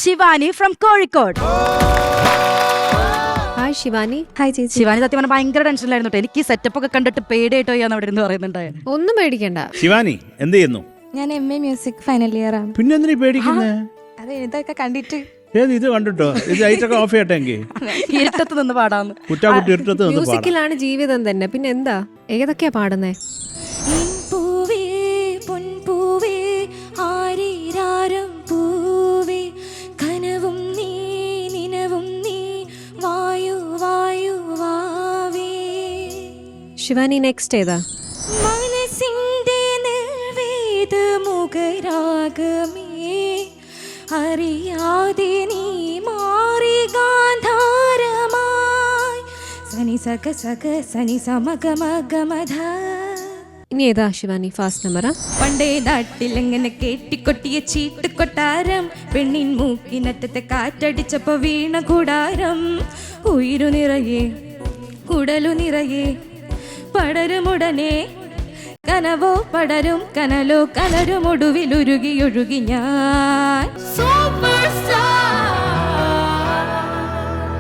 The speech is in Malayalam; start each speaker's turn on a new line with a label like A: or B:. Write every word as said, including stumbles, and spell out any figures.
A: Shivani from Kozhikode.
B: Hi Shivani.
C: Hi ചേച്ചി.
A: ശിവാനി സത്യം പറഞ്ഞാൽ ഭയങ്കര ടെൻഷനിലായിരുന്നു. എനിക്ക് ഈ സെറ്റപ്പ് ഒക്കെ കണ്ടിട്ട് പേടിയായിട്ടോ ചെയ്യാന്ന് അവിടെ ഇരുന്ന് പറയുന്നുണ്ടായി.
B: ഒന്നും പേടിക്കണ്ട.
D: ശിവാനി എന്ത് ചെയ്യുന്നു?
C: ഞാൻ M A music final year ആണ്.
D: പിന്നെ എന്തിനാ പേടിക്കുന്നേ?
C: അതെ, ഇതൊക്കെ കണ്ടിട്ട്.
D: ഏത് ഇത് കണ്ടിട്ടോ? ഇത് ലൈറ്റൊക്കെ ഓഫ് ചെയ്യട്ടെങ്കിൽ
A: ഇരുട്ടത്ത് നിന്ന് പാടാന്ന്.
D: കുറ്റാകുട്ടി ഇരുട്ടത്ത് നിന്ന് പാടാം.
B: മ്യൂസിക്കിലാണ് ജീവിതം തന്നെ. പിന്നെ എന്താ, ഏതൊക്കെയാ പാടുന്നേ?
C: പൂവേ പൊൻപൂവേ ആരീരാരം പൂവേ കനവും നീ നിനവും നീ വായു വായു വാവേ.
B: ശിവാനി നെക്സ്റ്റ് ഏതാ?
C: മനസ്സിന്റെ നിർവേദ മുഖരാഗമേ അറിയാതെ നീ മാറി ഗാന്ധാരമായി സനി സക സക സനി സമഗ മഗ മധ.
B: ഇനി ഏതാ ശിവാനി? ഫാസ്റ്റ് നമ്പറാ?
C: പണ്ടേ നാട്ടിലെങ്ങനെ കേട്ടിക്കൊട്ടിയ ചീട്ട് കൊട്ടാരം പെണ്ണിൻ മൂക്കിനറ്റത്തെ കാറ്റടിച്ചപ്പോ വീണ കൂടാരം ഉയിരു നിറയെ കുടലു നിറയെ പടരുമുടനെ കനവോ പടരും കനലോ കലരും ഒടുവിലുരുകി ഒഴുകി ഞാൻ സൂപ്പർ